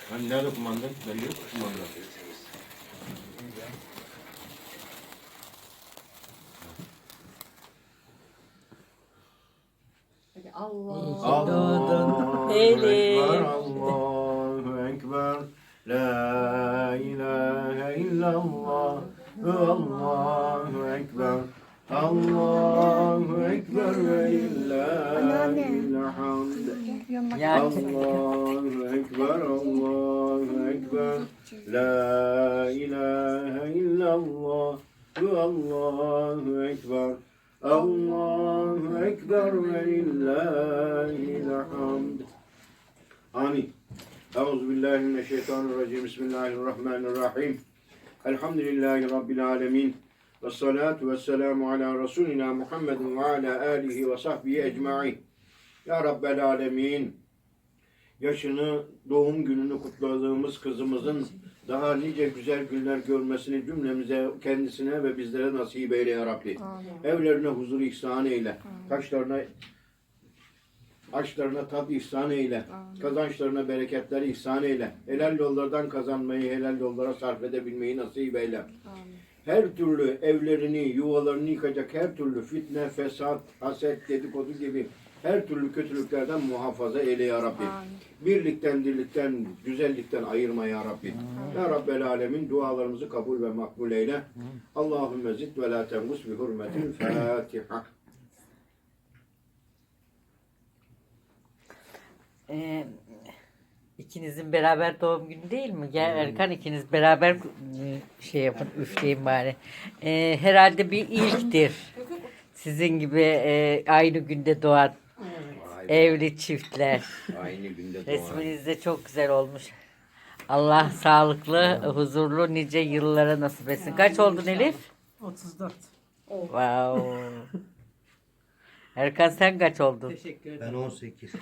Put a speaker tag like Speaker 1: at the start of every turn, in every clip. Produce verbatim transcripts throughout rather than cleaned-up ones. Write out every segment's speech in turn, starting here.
Speaker 1: Hani nerede kumanda? Belli yok kumanda.
Speaker 2: Allah.
Speaker 1: Allahu Ekber, Allahu Ekber. La ilahe illallah. Allahu Ekber. Allahu Ekber ve lillahil hamd. Allahu Ekber, Allahu Ekber. La ilahe illallah. Allahu Ekber. Allahu Ekber ve lillahil hamd. Amin. Euzubillahimineşşeytanirracim. Bismillahirrahmanirrahim. Elhamdülillahi Rabbil alemin. Ve salatu ve selamu ala Resulina Muhammedin ve ala alihi ve sahbihi ecma'in. Ya Rabbel alemin. Yaşını, doğum gününü kutladığımız kızımızın daha nice güzel günler görmesini cümlemize, kendisine ve bizlere nasip eyle ya Rabbi. Amin. Evlerine huzur ihsan eyle. Taşlarına, aşlarına tat ihsan eyle. Amin. Kazançlarına bereketleri ihsan eyle. Helal yollardan kazanmayı, helal yollara sarf edebilmeyi nasip eyle. Amin. Her türlü evlerini, yuvalarını yıkacak her türlü fitne, fesat, haset, dedikodu gibi her türlü kötülüklerden muhafaza eyle ya Rabbi. Amin. Birlikten, dirlikten, güzellikten ayırma ya Rabbi. Amin. Ya Rabbel alemin dualarımızı kabul ve makbul eyle. Amin. Allahümme zid ve la tengus bi hurmetil Fatiha.
Speaker 3: Ee, ikinizin beraber doğum günü değil mi? Gel Erkan, ikiniz beraber şey yapın, üfleyin bari. Ee, herhalde bir ilktir. Sizin gibi e, aynı günde doğan evli çiftler.
Speaker 1: Aynı günde doğan.
Speaker 3: Resminiz de çok güzel olmuş. Allah sağlıklı, huzurlu nice yıllara nasip etsin. Kaç oldun Elif?
Speaker 2: otuz dört.
Speaker 3: Wow. Erkan sen kaç oldun?
Speaker 2: Teşekkür ederim.
Speaker 4: Ben on sekiz.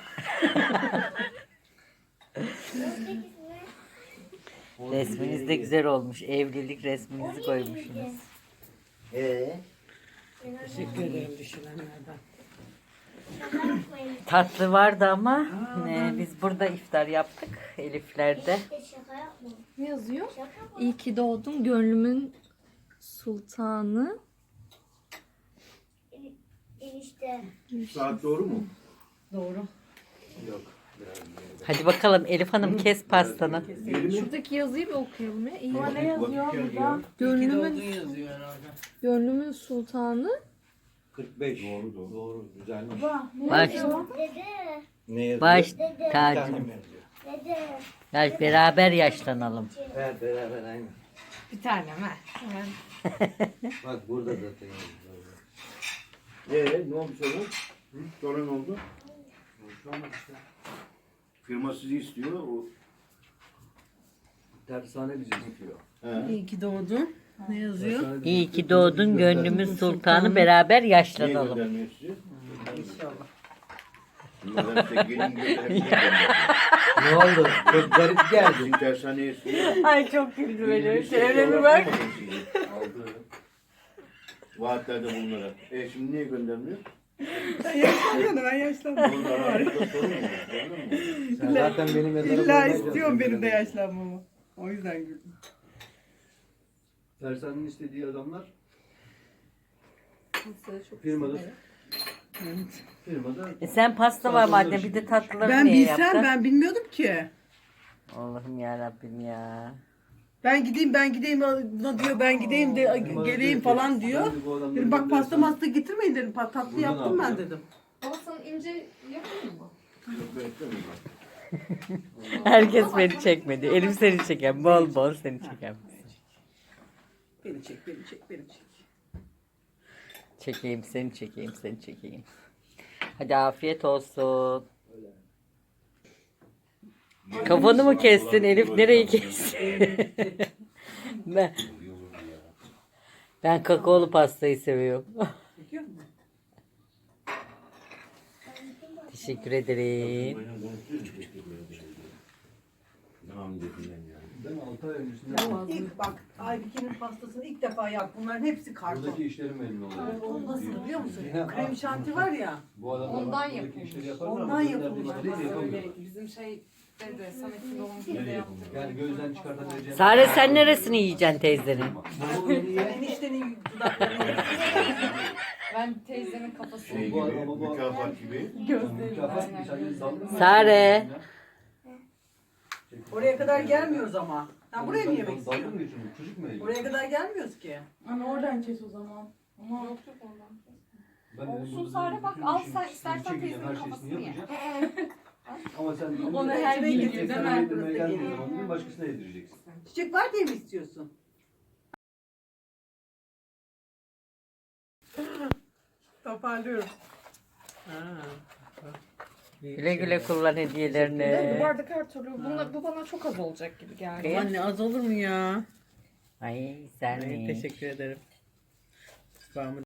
Speaker 3: Resminiz de güzel olmuş. Evlilik resminizi koymuşsunuz.
Speaker 4: Ee?
Speaker 2: Teşekkür ederim düşünenlerden.
Speaker 3: Tatlı vardı ama e, biz burada iftar yaptık Elifler'de.
Speaker 5: Ne yazıyor? İyi ki doğdun gönlümün sultanı.
Speaker 6: Enişte.
Speaker 1: Saat doğru mu?
Speaker 2: Doğru.
Speaker 1: Yok.
Speaker 3: Hadi bakalım Elif Hanım, kes pastanı.
Speaker 5: Şuradaki yazıyı bir okuyalım ya. İyi.
Speaker 1: Ne yazıyor burada?
Speaker 5: Gönlümün,
Speaker 2: yazıyor herhalde.
Speaker 5: gönlümün sultanı.
Speaker 4: kırk beş.
Speaker 1: Doğru doğru.
Speaker 4: Doğru. Güzelmiş.
Speaker 3: Baş,
Speaker 6: Dede.
Speaker 4: Ne yazıyor?
Speaker 3: baş
Speaker 6: Dede.
Speaker 3: tacı.
Speaker 4: Kendim yazıyor.
Speaker 6: Dede.
Speaker 3: Gel beraber yaşlanalım.
Speaker 4: Evet beraber aynı.
Speaker 2: Bir tane mi?
Speaker 4: Bak burada zaten yazıyor.
Speaker 1: Ee, ne oldu sonra? Hı? Sonra ne oldu?
Speaker 4: Şu an işte.
Speaker 1: Firma sizi istiyor. O...
Speaker 4: Tersane bizi istiyor.
Speaker 1: He.
Speaker 2: İyi ki doğdun. Ne yazıyor?
Speaker 4: Tersane bizi
Speaker 3: İyi ki
Speaker 4: istiyor.
Speaker 3: doğdun gönlümün sultanı, beraber
Speaker 1: Niye
Speaker 3: yaşlanalım.
Speaker 1: göndermiyor sizi?
Speaker 2: İnşallah.
Speaker 1: Bunlar hep de gelin göndermiyor.
Speaker 4: Ne oldu? Çok garip geldi.
Speaker 1: Sizin tersaneye istiyor.
Speaker 3: Ay çok güldü beni.
Speaker 1: Çevreme bak. Aldı. Vaatlerde bunlara. E şimdi niye göndermiyor?
Speaker 2: Ben yaşlanmadım, ben yaşlanmadım.
Speaker 1: Bunun aranızda sorun mu var? Sorun mu?
Speaker 4: Sen zaten benim mezarıma
Speaker 2: İlla
Speaker 4: koyacaksın.
Speaker 2: istiyorum benim de yaşlanmamı. O yüzden güldüm.
Speaker 4: Tersanenin istediği adamlar firmada firmada
Speaker 3: E sen pasta var madem, bir de tatlıları
Speaker 2: Ben
Speaker 3: niye
Speaker 2: bilsem
Speaker 3: yaptın?
Speaker 2: ben bilmiyordum ki.
Speaker 3: Allah'ım yarabbim ya.
Speaker 2: Ben gideyim ben gideyim ona diyor ben gideyim de geleyim falan diyor. Dedim bak pasta masta getirmeyin dedim. Pa- Tatlı
Speaker 4: Buradan
Speaker 2: yaptım ben
Speaker 4: alacağım.
Speaker 2: dedim.
Speaker 5: Ama sana ince yapayım mı?
Speaker 1: Yok, beklemiyorum.
Speaker 3: Herkes beni çekmedi. Elif seni çeken, bol bol seni çeken.
Speaker 2: Beni çek beni çek beni çek.
Speaker 3: Çekeyim seni, çekeyim seni, çekeyim. Hadi afiyet olsun. Kafanı mı kestin Elif? Nereyi kestin? ben, ben kakaolu pastayı seviyorum.
Speaker 2: Çekiyor musun?
Speaker 3: Teşekkür ederim.
Speaker 1: Tamam dedim ben yani.
Speaker 4: ben altı ay öncesinde
Speaker 2: İlk bak Aybike'nin pastasını ilk defa yap. Bunların hepsi karton.
Speaker 4: buradaki işlerim belli oluyor.
Speaker 2: O nasıl biliyor musun?
Speaker 4: Ya,
Speaker 2: Krem şanti var ya.
Speaker 4: Bu adamlar
Speaker 5: Ondan
Speaker 4: buradaki
Speaker 5: yapılmış.
Speaker 4: işleri yaparlar.
Speaker 2: Ondan
Speaker 4: buradaki
Speaker 2: yapılmış.
Speaker 4: işleri yapamıyor.
Speaker 2: Bizim şey
Speaker 6: Dedi. Samet'in doğum gününde yaptı.
Speaker 4: Yani gözden çıkartabileceğim.
Speaker 3: Sare sen neresini yiyeceksin teyzenin?
Speaker 4: Bunu yeni ye.
Speaker 2: Eniştenin dudaklarını
Speaker 6: Ben teyzemin kafasını
Speaker 1: Şey
Speaker 4: Bu-
Speaker 1: gibi,
Speaker 4: bu- bu-
Speaker 1: mükafat gibi.
Speaker 4: Mükafat mı? Sen de daldın mı?
Speaker 3: Sare.
Speaker 2: Oraya kadar gelmiyoruz ama. Ha, buraya mı yemek
Speaker 4: Dalga
Speaker 2: istiyorsun?
Speaker 4: mı geçiyorsun? Çocuk mu yiyor?
Speaker 2: Oraya kadar gelmiyoruz ki.
Speaker 6: Ama oradan kes o zaman. Ama yok yok oradan.
Speaker 4: Ben dedim,
Speaker 6: Olsun
Speaker 4: burada
Speaker 6: Sare, bak,
Speaker 4: bütün
Speaker 6: al
Speaker 4: işin
Speaker 6: sen
Speaker 4: üstünü
Speaker 6: istersen
Speaker 4: çekeceğim,
Speaker 6: teyzenin
Speaker 4: her şeysini
Speaker 6: kafasını ye.
Speaker 4: yapacağım. Ama sen
Speaker 6: Ona her
Speaker 2: gün
Speaker 6: gün
Speaker 2: geliyor,
Speaker 6: değil
Speaker 2: mi?
Speaker 4: yedirmeye gelmiyorsun. Onu değil, başkasına yedireceksin.
Speaker 2: Çiçek var diye mi istiyorsun? Toparlıyorum.
Speaker 3: Güle güle kullan
Speaker 6: Bu
Speaker 3: hediyelerini.
Speaker 6: bardak her türlü. Bunda, bu bana çok az olacak gibi geldi.
Speaker 2: Anne az olur mu ya?
Speaker 3: Ay sen mi?
Speaker 2: Teşekkür ederim. Kıvamı